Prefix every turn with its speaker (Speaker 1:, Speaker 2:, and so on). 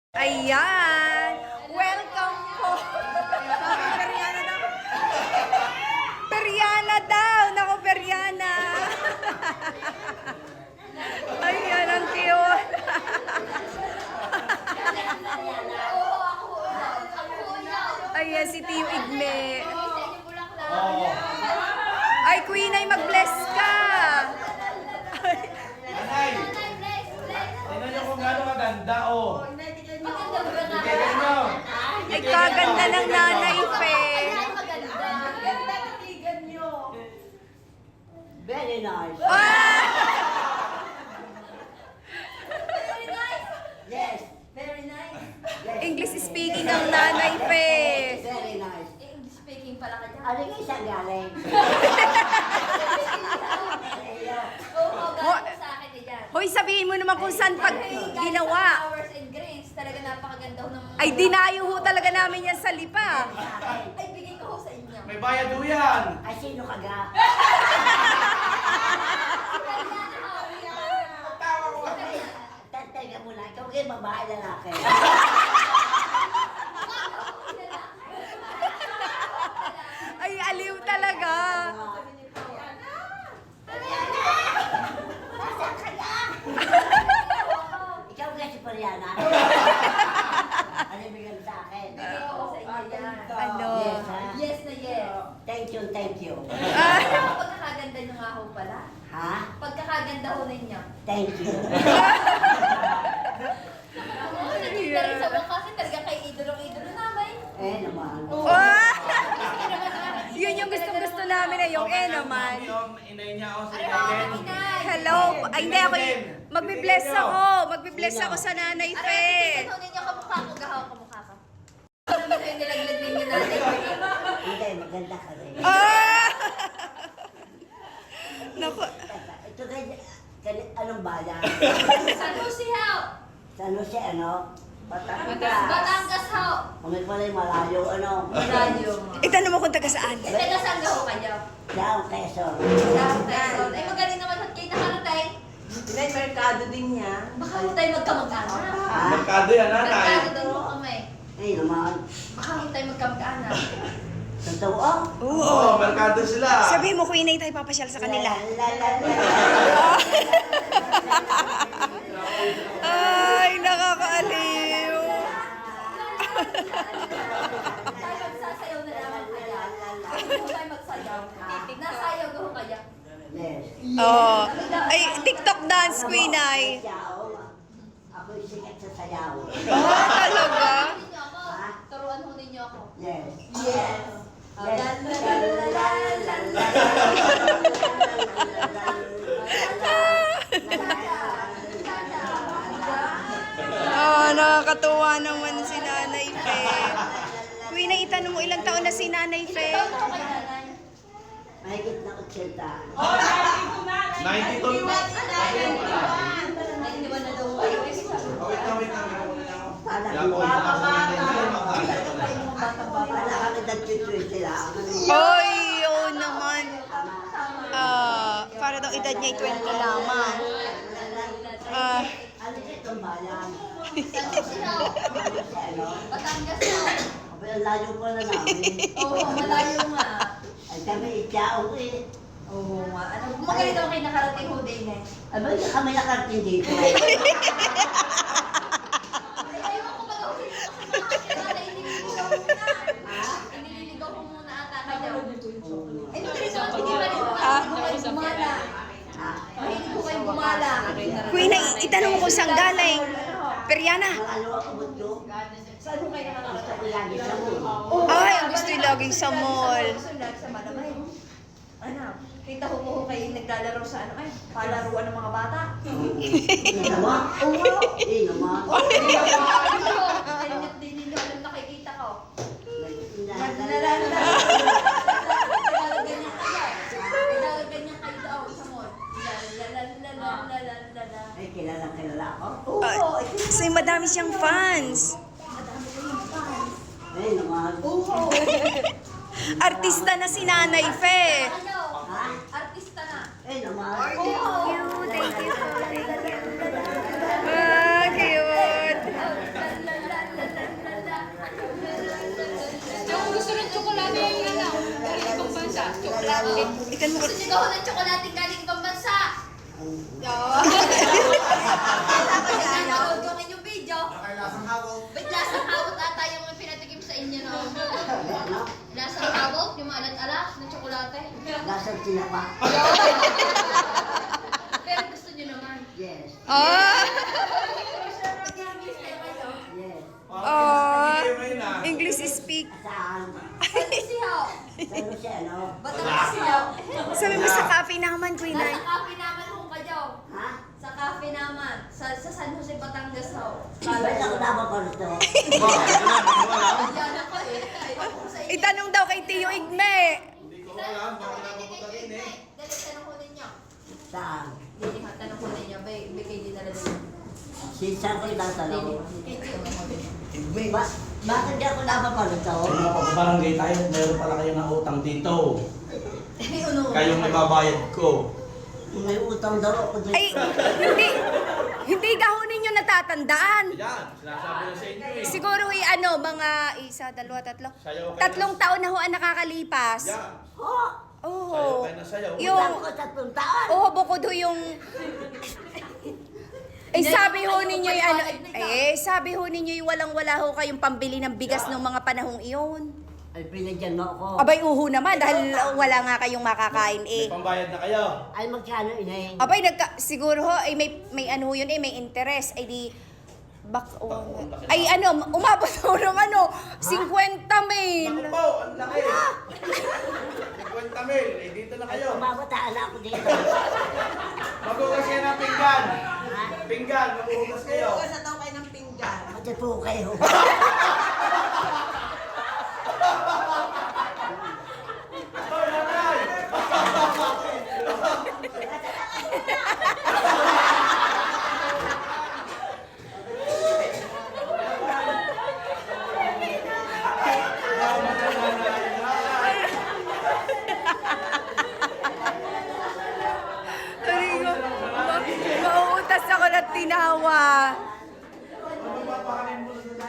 Speaker 1: Ayan! Welcome po! Periana daw! Periana daw! Naku, Periana! Ayan, ang cute! Ayan, si Tio Igme. Ay, Queen, ay mag-bless ka!
Speaker 2: Nanay! Tingnan niyo kung gaano maganda, oh. Tingnan niyo.
Speaker 1: Ay, kaganda ng nanay, Fe.
Speaker 3: Very nice.
Speaker 1: Ah!
Speaker 3: Yes.
Speaker 4: Very nice.
Speaker 3: Yes.
Speaker 1: English speaking ang nanay, Fe.
Speaker 3: Very nice.
Speaker 4: English speaking pala ka dyan.
Speaker 3: Ano yung isang galing?
Speaker 4: Oo, galing sa akin eh dyan.
Speaker 1: Hoy, sabihin mo naman kung saan pag ginawa.
Speaker 4: Flowers and grains, talaga napakaganda ho ng mga...
Speaker 1: Ay, dinayo ho talaga namin yan sa lipa.
Speaker 4: Ay, bigay ko ho sa inyo.
Speaker 2: May bayad ho yan.
Speaker 3: Ay, sino ka ga?
Speaker 2: Tawa ko.
Speaker 3: Teka muna, ikaw kayo babae lalaki.
Speaker 1: Ay, aliw talaga.
Speaker 3: Nasaan ka ga? Ikaw ga si Pariana? Ano yung bigyan sa akin?
Speaker 4: Bigay ko ho sa inyo yan.
Speaker 1: Ano?
Speaker 3: Yes, ha?
Speaker 4: Yes na yes.
Speaker 3: Thank you, thank you.
Speaker 1: Ah,
Speaker 4: Pagkakaganda nyo nga ho pala.
Speaker 3: Ha?
Speaker 4: Pagkakaganda ho ninyo.
Speaker 3: Thank you.
Speaker 4: Oo, nagkita rin sa mga kasi talaga kay idolong-idolo namin.
Speaker 3: Eh naman.
Speaker 1: ah! Yun yung gustong-gusto namin eh, yung eh naman.
Speaker 2: Yung inay niya, oh, si
Speaker 4: Ano ho,
Speaker 2: Ellen.
Speaker 4: inay?
Speaker 1: Hello. Ay, hindi ako. Magbibless ako. Magbibless ako sa nanay,
Speaker 4: Ano,
Speaker 1: Fe.
Speaker 4: titignan ho ninyo kamukha ko, gahaw kamukha ko. Ano naman yung nilaglag ninyo natin?
Speaker 3: Hindi, maganda ka rin.
Speaker 1: Ah! Naku.
Speaker 3: Ito kay anong bayan?
Speaker 4: San Jose ho!
Speaker 3: Sa ano siya, ano? Batangas.
Speaker 4: Batangas ho!
Speaker 3: Kung pala yung malayo, ano?
Speaker 4: Malayo.
Speaker 1: Itanong mo kung taga saan.
Speaker 4: Taga saan ho kayo?
Speaker 3: Down, Quezon.
Speaker 4: South Quezon. Ay, magaling naman ho kayo nakaratay.
Speaker 5: May merkado din niya.
Speaker 4: Baka ho tayo magkamag-anak.
Speaker 3: Ha?
Speaker 2: Merkado yan, nanay.
Speaker 4: Merkado din ho kami.
Speaker 3: Ay naman.
Speaker 4: Baka ho tayo magkamag-anak.
Speaker 3: Totoo?
Speaker 2: Oo, merkado sila.
Speaker 1: Sabihin mo, Queen, ay tayo papasyal sa kanila. Ay, nakakaaliw.
Speaker 4: Tayo magsasayaw na naman kaya. Hindi ho tayo magsayaw. Nasayaw ho kaya.
Speaker 3: Yes.
Speaker 1: Oh. Ay, TikTok dance, Queen, ay.
Speaker 3: Sayaw. Ako yung sikat sa sayaw.
Speaker 1: Oh, talaga?
Speaker 4: Turuan ninyo ako. Turuan ho ninyo ako.
Speaker 3: Yes.
Speaker 4: Yes.
Speaker 1: Oh, nakakatuwa naman si Nanay Fe. Queen, ay itanong mo ilang taon na si Nanay Fe?
Speaker 4: Ikaw ho kay nanay.
Speaker 3: Mahigit na 80.
Speaker 2: 92.
Speaker 4: Ay, hindi ba na daw kayo?
Speaker 2: Oh, wait lang, wait lang.
Speaker 3: Alam
Speaker 2: Yan
Speaker 3: mo,
Speaker 2: po,
Speaker 3: wala kami nag-tweet sila.
Speaker 1: Oy, oo naman. Para daw edad niya ay 20 lamang. Ah,
Speaker 3: Ano siya itong bayan?
Speaker 4: San Jose ho.
Speaker 3: Ano?
Speaker 4: Batangas ho.
Speaker 3: Abi, ang layo pa na namin.
Speaker 4: Oo, malayo nga.
Speaker 3: Ay kami ityaong eh.
Speaker 4: Oo nga. Ano, magaling daw kayo nakarating ho din eh.
Speaker 3: Aba, kami nakarating dito.
Speaker 4: Ay, ayaw ko mag-awin mo kasi mga kilala, inililigaw ko muna. Inililigaw ko muna ata kayo. Ay, magaling naman, hindi pa rin kayo gumala.
Speaker 3: Ha?
Speaker 4: Mahilig ko kayong gumala.
Speaker 1: Queen, ay itanong mo kung saan galing. Periana.
Speaker 3: Malayo ako mo ito.
Speaker 4: Saan mo kayo
Speaker 3: Gusto
Speaker 4: nakarating?
Speaker 3: ko lagi sa mo.
Speaker 1: Ay, ang gusto yung laging sa mall.
Speaker 4: Gusto lagi sa malamay. Ano, kita ko po kayo naglalaro sa ano ay, palaruan ng mga bata.
Speaker 3: Hindi naman. Oo. Hindi naman.
Speaker 4: Ayun, din ninyo alam nakikita ko.
Speaker 3: Lalala.
Speaker 4: Ganyan kayo daw sa mall. Lalalala.
Speaker 3: Ay, kilala ako.
Speaker 4: Oo,
Speaker 1: Kasi madami siyang fans.
Speaker 4: madami kayong fans.
Speaker 3: Ay, naman.
Speaker 4: Oo.
Speaker 1: Artista na si Nanay Fe.
Speaker 4: Ano?
Speaker 3: Ha?
Speaker 4: Artista na.
Speaker 3: Ay, naman.
Speaker 4: Oo.
Speaker 1: Thank you. Ah, cute.
Speaker 4: La, la, la,
Speaker 1: Ikan mo.
Speaker 4: Gusto niyo gawin ng tsokolating galing ibang bansa.
Speaker 1: Oo.
Speaker 4: Napanood ko ang inyong video. Ba't lasang hawot ata yung pinatikim sa inyo, no? Lasang hawot, yung maalat-alat na tsokolate.
Speaker 3: Lasang tinapa.
Speaker 4: Pero gusto niyo naman.
Speaker 3: Yes.
Speaker 1: Ah!
Speaker 3: Yes.
Speaker 1: Oh, English speak.
Speaker 3: Saan?
Speaker 4: Sihaw.
Speaker 3: Saan siya, no?
Speaker 4: Ba't ang sihaw?
Speaker 1: Sabi mo sa cafe naman, Queen
Speaker 4: Nasa
Speaker 1: Ay.
Speaker 4: cafe naman ho kayo.
Speaker 3: Ha?
Speaker 4: Sa cafe naman. Sa San Jose, Batangas ho.
Speaker 3: Ba't ako dapat pa rito?
Speaker 4: Yan ako eh. Ayoko ko sa inyo.
Speaker 1: Itanong daw kay Tio Igme.
Speaker 4: Dali, tanong ko ninyo.
Speaker 3: Saan?
Speaker 4: Dili ha, tanong ko ninyo. Kay di talaga ninyo.
Speaker 3: Saan ko itatanong?
Speaker 4: Kay di tanong ko ninyo.
Speaker 3: Bakit di ako dapat pa rito?
Speaker 2: Mga pagbabarangay tayo, meron pala kayo ng utang dito.
Speaker 4: May uno.
Speaker 2: Kayong ibabayad ko.
Speaker 3: May utang daw ako dito.
Speaker 1: Ay, hindi daw ninyo natatandaan.
Speaker 2: Yan, sinasabi na sa inyo eh.
Speaker 1: Siguro mga isa, dalawa, tatlo.
Speaker 2: Sayaw kayo.
Speaker 1: 3 taon na ho ang nakakalipas.
Speaker 2: Yan,
Speaker 3: Oh!
Speaker 1: Oo.
Speaker 2: sayaw kayo na sayaw.
Speaker 1: Yung,
Speaker 3: Utang ko 3 taon.
Speaker 1: oo, bukod ho yung... sabi ho ninyo yung sabi ho ninyo yung walang-wala ho kayong pambili ng bigas ng mga panahong iyon.
Speaker 3: Ay, pinagyan mo ako.
Speaker 1: Abay, uho naman dahil wala nga kayong makakain
Speaker 2: May pambayad na kayo.
Speaker 3: Ay, magkano inay?
Speaker 1: Abay, siguro ho, may ano yun may interest. Ay di, umabot ho ng 50 mil.
Speaker 2: Naku po, ang laki. 50 mil, eh dito na kayo.
Speaker 3: Mabataan ako dito.
Speaker 2: Magugas kayo ng pinggan. Pinggan, magugas kayo.
Speaker 5: Huwag sa daw kayo ng pinggan.
Speaker 3: Pati po kayo.
Speaker 2: Hoy, nanay!
Speaker 1: Mauutas ako ng tinawa.
Speaker 2: Ano ba pakanin mo na